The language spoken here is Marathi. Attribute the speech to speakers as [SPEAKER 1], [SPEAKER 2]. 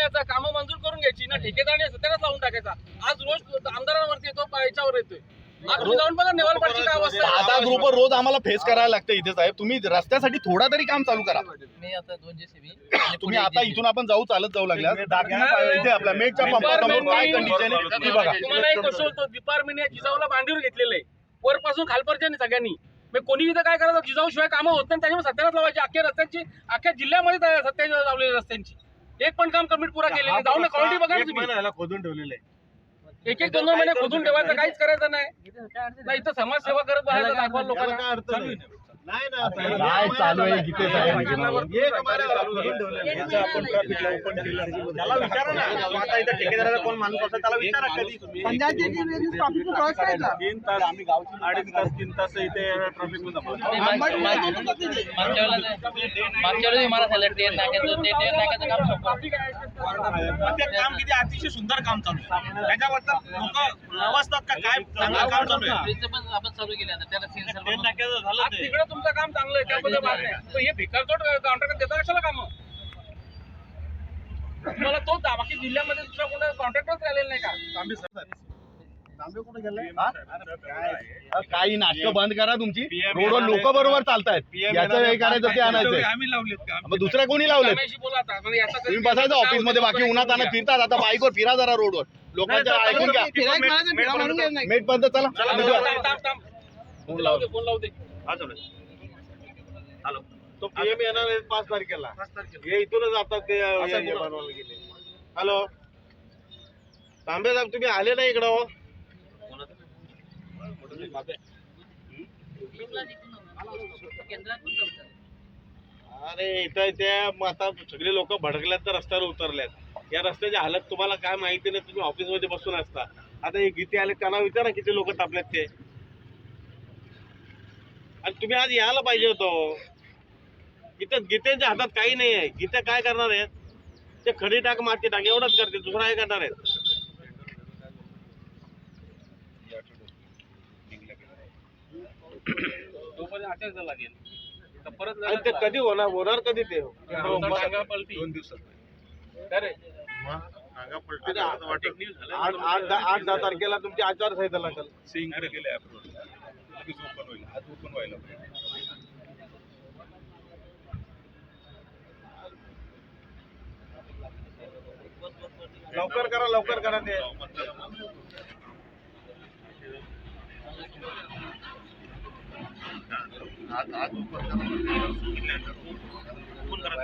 [SPEAKER 1] घ्यायचा, कामं मंजूर करून घ्यायची ना, ठेकेदाराने सत्यानाच लावून टाकायचा। आज रोज आमदारांवरती येतो, याच्यावर येतोय। तुम्ही जाऊन बघा नेवालपाडची काय अवस्था आहे।
[SPEAKER 2] आता ग्रुपवर रोज आम्हाला फेस करायला लागतं इथे साहेब। तुम्ही रस्त्यासाठी थोडा तरी काम चालू करा।
[SPEAKER 3] मी आता 2 JCB
[SPEAKER 2] तुम्ही आता इथून आपण चालत जाऊ लागल्या इथे आपल्या मेटच्या पंपासमोर काय कंडिशन आहे ती बघा।
[SPEAKER 1] तुम्हाला एक गोष्ट बोलतो, डिपार्टमेंटने जिजाऊला बांधीवर घेतलेलं आहे, वरपासून खालपर्यंत सगळ्यांनी। मग कोणी इथं काय करायचं, जिजाऊ शिवाय कामं होत नाही, त्याच्यामुळे सत्यानाच लावायची। अख्ख्या रस्त्यांची, अख्ख्या जिल्ह्यामध्ये सत्यानाच लावलेली रस्त्यांची एक पण काम कमिट पुरा केलेलं नाही। जाऊन क्वालिटी बघा तुम्ही,
[SPEAKER 2] खोदून ठेवलेलं आहे।
[SPEAKER 1] एक 2 महिने खोदून ठेवायचं, काहीच करायचं नाही। इथं समाजसेवा करत बघायचं, दाखवा लोकांना।
[SPEAKER 2] नाही काय चालू आहे गीते साहेब? त्याला विचारा ना, आता इथं ठेकेदाराचा कोण माणूस असेल त्याला विचारा कधी तुम्ही।
[SPEAKER 4] 3 तास आम्ही गावची 2.5 तास इथे ट्रॅफिक मध्ये
[SPEAKER 3] मागच्या वेळेस मला झालं ट्रेन नाक्याचं, ते ट्रेन नाक्याचं काम संपलं।
[SPEAKER 4] ते काम किती अतिशय सुंदर काम चालू आहे, त्याच्याबद्दल लोक नवसतात का काय चांगलं काम चालू आहे।
[SPEAKER 3] ट्रेनचं पण आपण चालू केलं आता, त्याला सेन्सर
[SPEAKER 4] ट्रेन नाक्याचं झालं
[SPEAKER 1] आज
[SPEAKER 4] ते
[SPEAKER 1] तिकडे तुमचं काम चांगलं आहे, त्याबद्दल बात नाही। पण हे भिकारचोट कॉन्ट्रॅक्टर देता कशाला काम? तुम्हाला तो बाकी जिल्ह्यामध्ये दुसरा कोणता कॉन्ट्रॅक्टरच राहिलेला नाही का?
[SPEAKER 2] काही नाटकं बंद करा तुमची। रोडवर लोक बरोबर चालतायत, याचं हे करायचं ते आणायचं।
[SPEAKER 4] आम्ही लावलेत का?
[SPEAKER 2] मग दुसऱ्या कोणी लावलेत?
[SPEAKER 1] रमेशशी बोला आता, म्हणजे याचा
[SPEAKER 2] तुम्ही बसायचं ऑफिस मध्ये, बाकी उन्हात आणत फिरतात। आता बाईकवर फिरा जरा रोडवर, लोकांच्या ऐकून घ्या। मेट पर्यंत चला,
[SPEAKER 1] फोन लावू दे, फोन लावू दे।
[SPEAKER 4] हॅलो,
[SPEAKER 2] तो पीएम येणार आहे 5 तारखेला। हे इथूनच आता ते बनवायला गेले। हॅलो तांबे साहेब, तुम्ही आले नाही इकडं हो? अरे इथं त्या आता सगळे लोक भडकल्यात तर रस्त्यावर उतरल्यात। या रस्त्याची हालत तुम्हाला काय माहिती नाही, तुम्ही ऑफिस मध्ये बसून असता। आता हे गीते आले, त्यांना विचारा किती लोक तापल्यात ते। आणि तुम्ही आज यायला पाहिजे होतो इथं। गीतेच्या हातात काही नाही आहे। गीते काय करणार आहेत? ते खडी टाक, माती टाक, एवढंच करते, दुसरा काय करणार आहेत?
[SPEAKER 1] लागेल परत
[SPEAKER 2] आणि ते कधी होणार कधी ते?
[SPEAKER 1] 2 दिवसात।
[SPEAKER 2] 8-10 तारखेला तुमची आचारसंहिता लागेल। लवकर करा ते।